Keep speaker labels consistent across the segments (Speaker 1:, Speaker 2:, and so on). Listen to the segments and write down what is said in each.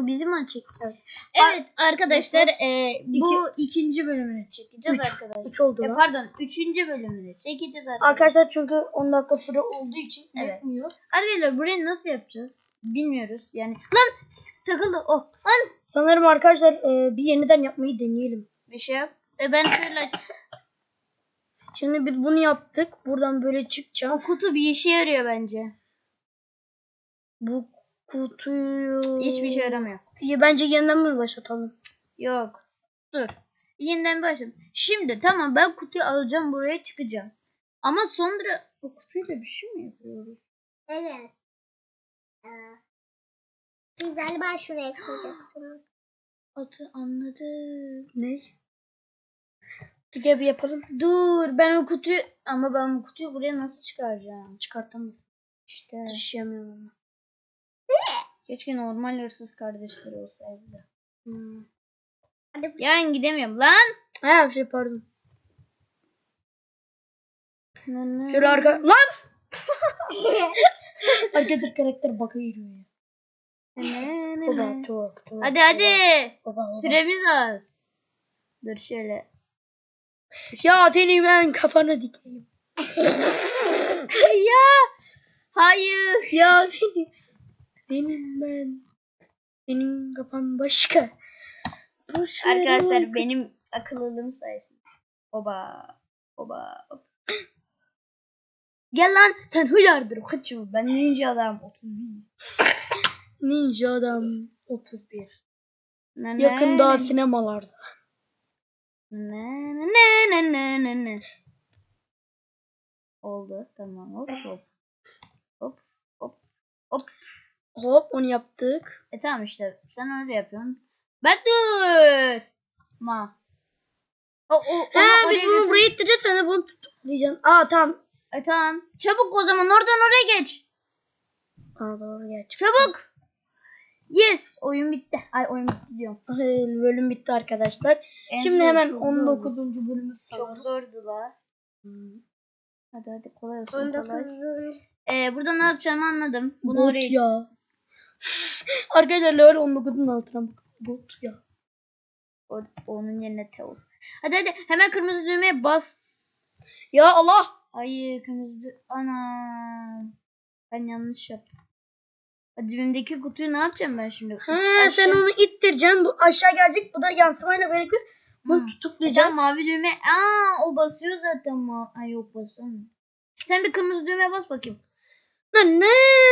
Speaker 1: bizim açık.
Speaker 2: Evet arkadaşlar bu ikinci bölümünü çekeceğiz arkadaşlar.
Speaker 1: 3 oldu lan.
Speaker 2: Pardon 3. bölümünü çekeceğiz arkadaşlar.
Speaker 1: Arkadaşlar çünkü 10 dakika süre olduğu için
Speaker 2: Evet.
Speaker 1: yetmiyor.
Speaker 2: Arkadaşlar burayı nasıl yapacağız? Bilmiyoruz yani. Lan takıldı. Oh lan.
Speaker 1: Sanırım arkadaşlar bir yeniden yapmayı deneyelim.
Speaker 2: Bir şey yap. Ben şöyle aç.
Speaker 1: Şimdi biz bunu yaptık. Buradan böyle çıkacağım.
Speaker 2: O kutu bir işe yarıyor bence.
Speaker 1: Bu kutuyu...
Speaker 2: Hiçbir şey yaramıyor.
Speaker 1: Bence yeniden mi başlatalım?
Speaker 2: Yok. Dur. Yeniden başlayalım. Şimdi tamam ben kutuyu alacağım buraya çıkacağım. Ama sonra o kutuyla bir şey mi yapıyoruz?
Speaker 3: Evet. Siz galiba şuraya koyacaksınız.
Speaker 2: Anladım.
Speaker 1: Ne? Gel bir yapalım.
Speaker 2: Dur ben o kutuyu ama ben bu kutuyu buraya nasıl çıkaracağım?
Speaker 1: Çıkartamaz.
Speaker 2: İşte.
Speaker 1: Taşıyamıyorum ama.
Speaker 2: Keşke normal hırsız kardeşleri olsaydı.
Speaker 3: Hadi.
Speaker 2: Yani gidemiyorum lan.
Speaker 1: Ha şey pardon. Şöyle arka... Lan! Arkadaşlar karakter baka giriyor ya. Baba top.
Speaker 2: Hadi hadi.
Speaker 1: Baba.
Speaker 2: Süremiz az. Dur şöyle.
Speaker 1: Ya seni ben kafana dikeyim.
Speaker 2: Ya. Hayır.
Speaker 1: Ya senin ben. Senin kafan başka. Boş ver
Speaker 2: Arkadaşlar
Speaker 1: oğlum.
Speaker 2: benim akıllılığım sayesinde. Oba. Oba. Gel lan sen hıyardır kaçıyor. Ben ninja adam 31.
Speaker 1: Ninja adam 31.
Speaker 2: Ne,
Speaker 1: Yakında
Speaker 2: ne,
Speaker 1: sinemalarda.
Speaker 2: ne. Oldu tamam hop hop. Hop hop hop.
Speaker 1: Hop onu yaptık.
Speaker 2: Tamam işte sen öyle yapıyorsun. Ben dur. Ma.
Speaker 1: Biz bunu buraya ittireceğiz, sen de bunu tutuklayacaksın. Aa tamam.
Speaker 2: Tamam. Çabuk o zaman oradan oraya geç.
Speaker 1: Aa doğru geç.
Speaker 2: Çabuk. Yes. Oyun bitti. Ay oyun bitti diyorum.
Speaker 1: Bölüm bitti arkadaşlar. Şimdi hemen 19. bölümü sanırım.
Speaker 2: Çok zordu la. Hadi kolay olsun.
Speaker 3: 19.
Speaker 2: Kolay. Burada ne yapacağımı anladım. Bunu
Speaker 1: Bot
Speaker 2: oraya...
Speaker 1: ya. Arkadaşlar LoL 19'un altına bak. Bot ya.
Speaker 2: Onun yerine Teos. Hadi hemen kırmızı düğmeye bas.
Speaker 1: Ya Allah.
Speaker 2: Ay kırmızı ana. Ben yanlış yaptım. Dibimdeki kutuyu ne yapacağım ben şimdi?
Speaker 1: Sen onu ittireceksin. Bu aşağı gelecek. Bu da yansımayla birlikte bunu tutuklayacağız.
Speaker 2: Mavi düğme. O basıyor zaten. Ay yok basamıyor. Sen bir kırmızı düğmeye bas bakayım.
Speaker 1: Ne?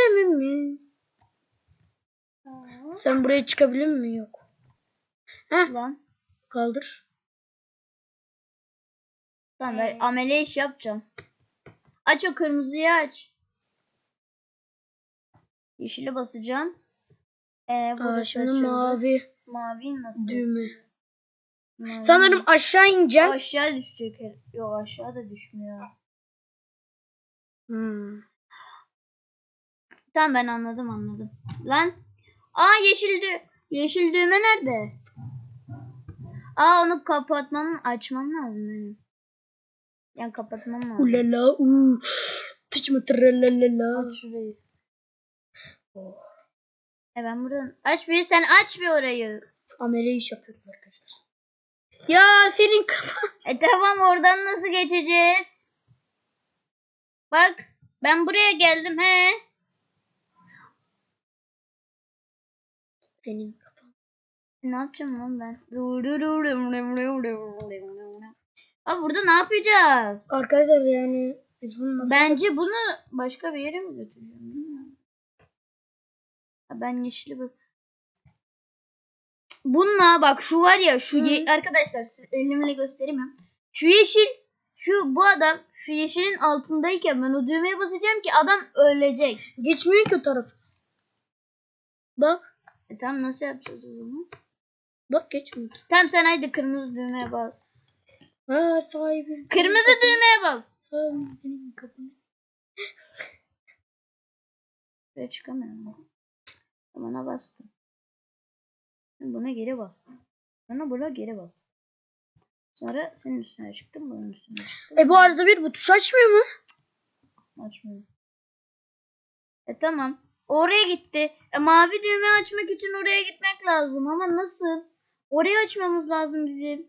Speaker 1: Sen buraya çıkabilir mi? Yok.
Speaker 2: Lan.
Speaker 1: Kaldır.
Speaker 2: Tamam ben amele iş yapacağım. Aç o kırmızıyı aç. Yeşile basacağım. Burası
Speaker 1: Şimdi
Speaker 2: açıldı.
Speaker 1: mavi
Speaker 2: Mavi nasıl
Speaker 1: düğme.
Speaker 2: Mavi.
Speaker 1: Sanırım aşağı ineceğim.
Speaker 2: Aşağı düşecek. Yok aşağı da düşmüyor. Tamam ben anladım. Lan. Yeşil düğme nerede? Onu açmam lazım benim. Yani kapatmam lazım.
Speaker 1: Ulala Tıçma tralala.
Speaker 2: Aç şurayı. Ben buradan sen aç bir orayı.
Speaker 1: Amele iş yapıyoruz arkadaşlar. Ya senin kafan.
Speaker 2: Tamam oradan nasıl geçeceğiz? Bak ben buraya geldim
Speaker 1: Senin kafan.
Speaker 2: Ne yapacağım lan ben? Burada ne yapacağız?
Speaker 1: Arkadaşlar yani biz bunu nasıl...
Speaker 2: Bence bunu başka bir yere mi götüreceğim bilmiyorum. Ben yeşili bak. Bununla bak şu var ya arkadaşlar elimle göstereyim ya. Şu yeşil bu adam şu yeşilin altındayken ben o düğmeye basacağım ki adam ölecek.
Speaker 1: Geçmiyor ki o taraf. Bak.
Speaker 2: Tamam nasıl yapacağız o zaman?
Speaker 1: Bak geçmiyor.
Speaker 2: Tamam sen haydi kırmızı düğmeye bas.
Speaker 1: Sahibi.
Speaker 2: Kırmızı düğmeye bas.
Speaker 1: Sahibi senin kafanı.
Speaker 2: Buraya çıkamıyorum. Buna bastım. Buna geri bastım. Sonra buna geri bastım. Sonra senin üstüne çıktım. Bunun üstüne çıktım.
Speaker 1: Bu arada bu tuş açmıyor mu?
Speaker 2: Açmıyor. Tamam. Oraya gitti. Mavi düğme açmak için oraya gitmek lazım ama nasıl? Orayı açmamız lazım bizim.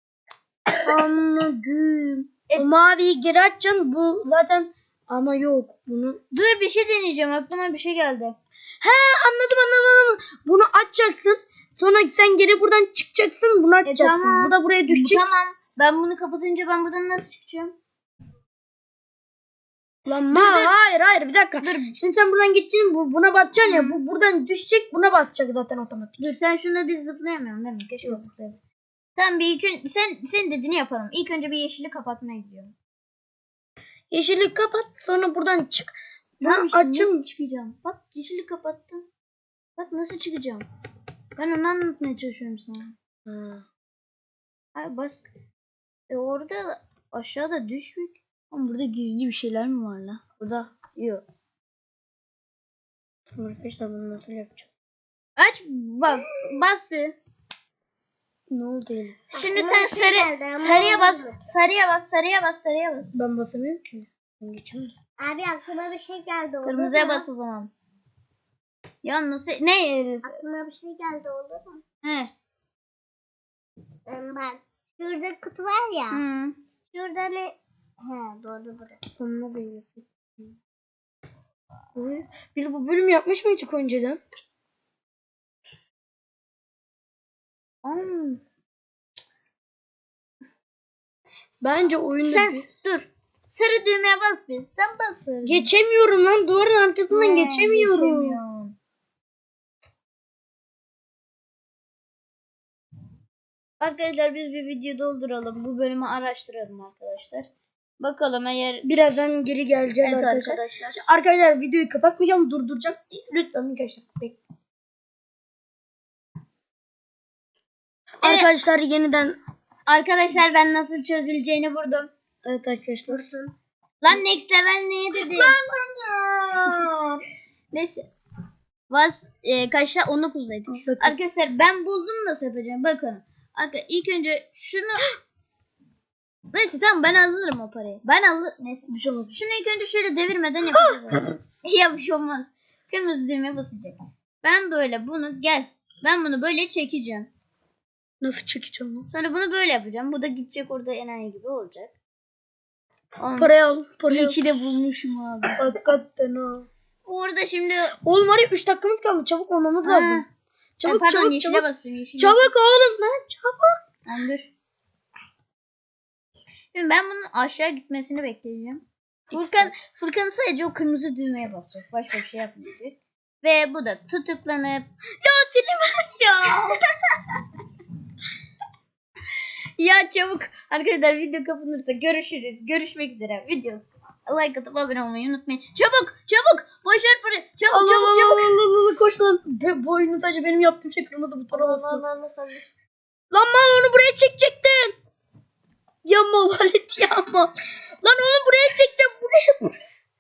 Speaker 1: Anladım. O maviyi geri açacaksın. Bu zaten ama yok. Bunu
Speaker 2: Dur bir şey deneyeceğim. Aklıma bir şey geldi.
Speaker 1: anladım. Bunu açacaksın. Sonra sen geri buradan çıkacaksın. Bunu açacaksın.
Speaker 2: tamam.
Speaker 1: Bu da buraya düşecek.
Speaker 2: Tamam. Ben bunu kapatınca ben buradan nasıl çıkacağım?
Speaker 1: Lan
Speaker 2: Dur.
Speaker 1: hayır bir dakika.
Speaker 2: Dur.
Speaker 1: Şimdi sen buradan gideceksin. Buna basacaksın ya. Bu buradan düşecek. Buna basacak zaten otomatik.
Speaker 2: Dur sen şunu biz zıplayamıyorum değil mi? Keşke zıplayalım. Tamam bir ilk önce sen dediğini yapalım. İlk önce bir yeşili kapatmaya gidiyorum.
Speaker 1: Yeşili kapat. Sonra buradan çık.
Speaker 2: Tamam işte
Speaker 1: açın.
Speaker 2: nasıl çıkacağım? Bak yeşili kapattım. Bak nasıl çıkacağım? Ben onu anlatmaya çalışıyorum sana. Ay bas. Orada aşağıda düşmek. Ama burada gizli bir şeyler mi var la? Burada yok.
Speaker 1: Arkadaşlar bunu nasıl yapacağız?
Speaker 2: Aç bak bas bir.
Speaker 1: Ne oldu Elif?
Speaker 2: Şimdi
Speaker 3: Aklıma
Speaker 2: sen
Speaker 3: bir şey geldi ama
Speaker 2: sarıya bas.
Speaker 3: olmadı.
Speaker 2: Sarıya bas.
Speaker 1: Ben basamıyorum ki. Ben geçemiyorum.
Speaker 3: Abi aklıma bir şey geldi. olur
Speaker 2: Kırmızıya
Speaker 3: mu?
Speaker 2: bas o zaman. Ya nasıl ne?
Speaker 3: Aklıma bir şey geldi olur mu?
Speaker 2: He.
Speaker 3: Bak. Şurada kutu var ya.
Speaker 2: Hı.
Speaker 3: Şurada ne? He doğru burada.
Speaker 1: Olmaz Elif. Biz bu bölümü yapmış mıydık önceden? Bence oyunda
Speaker 2: Sen dur. Sarı düğmeye bas bir. Sen bas sarı.
Speaker 1: geçemiyorum lan. Duvarın arkasından
Speaker 2: He,
Speaker 1: geçemiyorum.
Speaker 2: geçemiyorum. Arkadaşlar biz bir video dolduralım. Bu bölümü araştıralım arkadaşlar. Bakalım eğer
Speaker 1: Birazdan geri geleceğiz
Speaker 2: evet
Speaker 1: arkadaşlar.
Speaker 2: arkadaşlar.
Speaker 1: Arkadaşlar videoyu kapatmayacağım. Durduracağım. Lütfen arkadaşlar bekleyin.
Speaker 2: Evet.
Speaker 1: Arkadaşlar yeniden
Speaker 2: Arkadaşlar ben nasıl çözüleceğini buldum.
Speaker 1: evet arkadaşlar.
Speaker 2: Lan next level neye dedi? Neyse. Kaçta 19'daydı.
Speaker 1: Bakın.
Speaker 2: Arkadaşlar ben buldum nasıl yapacağım. Bakın. Arkadaşlar ilk önce şunu neyse tamam ben alırım o parayı. Neyse.
Speaker 1: Bir şey olmadı.
Speaker 2: Şunu ilk önce şöyle devirmeden yapacağız. Ya bir şey olmaz. Kırmızı düğmeye basacak. Ben böyle bunu ben bunu böyle çekeceğim.
Speaker 1: Nasıl çekeceğim lan?
Speaker 2: Sonra bunu böyle yapacağım. Bu da gidecek orada enayi gibi olacak.
Speaker 1: Parayı al. Parayı
Speaker 2: İyi
Speaker 1: al.
Speaker 2: ki de bulmuşum abi.
Speaker 1: Hakikaten ha.
Speaker 2: Orada şimdi
Speaker 1: Oğlum var ya 3 dakikamız kaldı. Çabuk olmamız lazım. Çabuk
Speaker 2: pardon
Speaker 1: çabuk
Speaker 2: yeşile
Speaker 1: çabuk.
Speaker 2: basıyorum.
Speaker 1: Çabuk oğlum lan çabuk.
Speaker 2: Tamam, dur. Şimdi ben bunun aşağı gitmesini bekleyeceğim. Furkan sadece o kırmızı düğmeye basacak. Başka bir şey yapmayacak. Ve bu da tutuklanıp
Speaker 1: Ya seni ver ya.
Speaker 2: ya çabuk arkadaşlar video kapanırsa görüşürüz. Görüşmek üzere. Video like atıp abone olmayı unutmayın. Çabuk boşver parayı. Çabuk.
Speaker 1: Allah koş lan. Bu oyunu sadece benim yaptığım şey kırmızı buton olmasın. Lan mal onu buraya çekecektin. Ya mal Halit ya mal. Lan onu buraya çekeceğim. Buraya.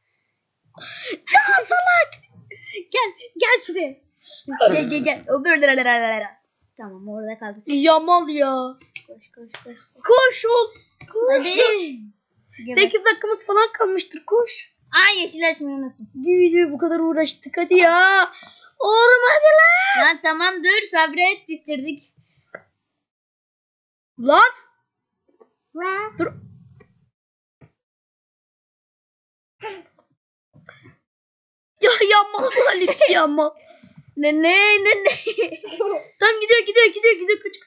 Speaker 1: Ya salak.
Speaker 2: Gel şuraya. Gel. Tamam orada kaldık.
Speaker 1: Ya mal ya.
Speaker 2: Koş.
Speaker 1: Koş ol.
Speaker 2: Hadi.
Speaker 1: 8 dakikamız falan kalmıştır koş.
Speaker 2: Ay yeşil açmayı unuttum.
Speaker 1: Bir videoya bu kadar uğraştık hadi ya. Oğlum hadi lan.
Speaker 2: Lan tamam dur sabret bitirdik.
Speaker 1: Lan.
Speaker 3: Lan.
Speaker 1: Dur. Ya mal Halit ya mal.
Speaker 2: Ne.
Speaker 1: Tam gidiyor kaç.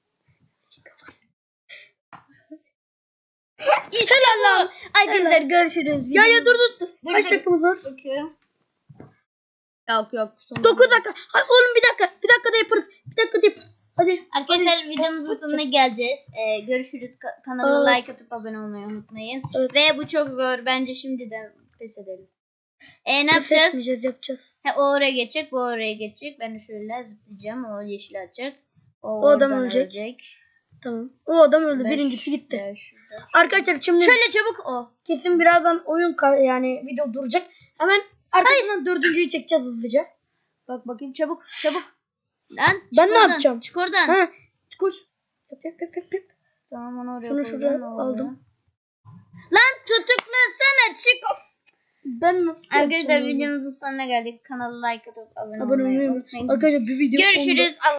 Speaker 2: İşte lan. Arkadaşlar görüşürüz.
Speaker 1: Ya dur. Kaç
Speaker 2: dur.
Speaker 1: dakikamız var?
Speaker 2: Bakıyorum. Yok. Sonunda.
Speaker 1: 9 dakika. Hadi oğlum bir dakika da yaparız. Hadi.
Speaker 2: Arkadaşlar videomuzun sonuna geleceğiz. Görüşürüz. Kanala like atıp abone olmayı unutmayın.
Speaker 1: Evet.
Speaker 2: Ve bu çok zor. Bence şimdiden pes edelim. Ne yapacağız?
Speaker 1: Yapacağız.
Speaker 2: O oraya geçecek, bu oraya geçecek. Ben de şöyle zıplayacağım. O yeşil atacak.
Speaker 1: O adam
Speaker 2: oradan
Speaker 1: ölecek. Tamam. O adam öldü. Birincisi gitti. Arkadaşlar şimdi
Speaker 2: Şöyle çabuk o.
Speaker 1: kesin birazdan yani video duracak. Hemen arkasından dördüncüyü çekeceğiz hızlıca.
Speaker 2: Bak bakayım çabuk. Lan
Speaker 1: Ben ne yapacağım?
Speaker 2: Çık oradan.
Speaker 1: Ha, koş. Yap.
Speaker 2: Tamam onu oraya
Speaker 1: Şunu
Speaker 2: koydum,
Speaker 1: şuraya
Speaker 2: ne oldu?
Speaker 1: aldım.
Speaker 2: Lan tutuklasana çık of.
Speaker 1: Ben nasıl
Speaker 2: Arkadaşlar
Speaker 1: yapacağım onu?
Speaker 2: videomuzun sonuna geldik. Kanala like atıp abone
Speaker 1: Abone
Speaker 2: olmayı
Speaker 1: olmayı
Speaker 2: unutmayın.
Speaker 1: Arkadaşlar bir video
Speaker 2: Görüşürüz.